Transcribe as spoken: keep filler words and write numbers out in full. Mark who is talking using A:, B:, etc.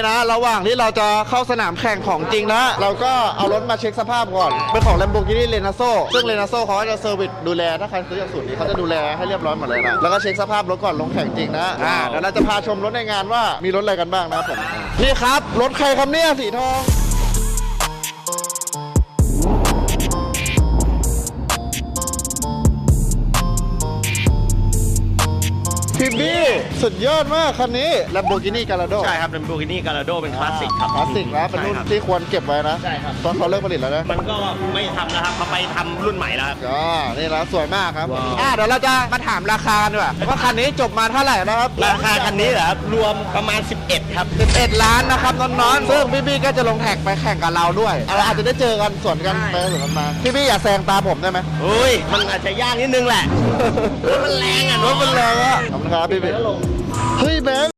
A: นะระหว่างที่เราจะเข้าสนามแข่งของจริงนะเราก็เอารถมาเช็คสภาพก่อนเป็นของ Lamborghini Renaso ซึ่ง Renaso เขาก็จะเซอร์วิสดูแลถ้าใครซื้อจากศูนย์นี้เขาจะดูแลให้เรียบร้อยหมดเลยนะแล้วก็เช็คสภาพรถก่อนลงแข่งจริงนะอ่าเดี๋ยวเราจะพาชมรถในงานว่ามีรถอะไรกันบ้างนะครับผมนี่ครับรถใครครับเนี่ยสีทองพี่บี้สุดยอดมากคันนี้ Lamborghini Gallardo
B: ใช่ครับ Lamborghini Gallardo เป็นคลาสสิกครับ
A: คลาสสิกนะเป็นรุ่นที่ควรเก็บไว้นะ
B: ใช่ครับ
A: ตอนเขาเลิกผลิตแล้วนะ
B: มันก็ไม่ทำแล้วครับเขาไปทำรุ่นใหม่แล้วครับ
A: ก็นี่แล้วสวยมากครับ
B: ว้าว
A: อ่าเดี๋ยวเราจะมาถามราคากันดีกว่าว่าคันนี้จบมาเท่าไหร่นะครับ
B: ราคาคันนี้เหรอครับรวมประมาณสิบเอ็ดครับ
A: สิบเอ็ดล้านนะครับน้องๆซึ่งพี่บี้ก็จะลงแท็กไปแข่งกับเราด้วยเราอาจจะได้เจอกันสวนกัน
B: ใช่
A: ไปสวนกันมาพี่บี้อย่าแซงตามผมได้ไหม
B: อุ้ยมันอาจจะยากนิดนึงแหละรถมันแรงอ่ะ
A: รถมันแรงอะขอบคุณครับพี่บี้เฮ้ยแบงค์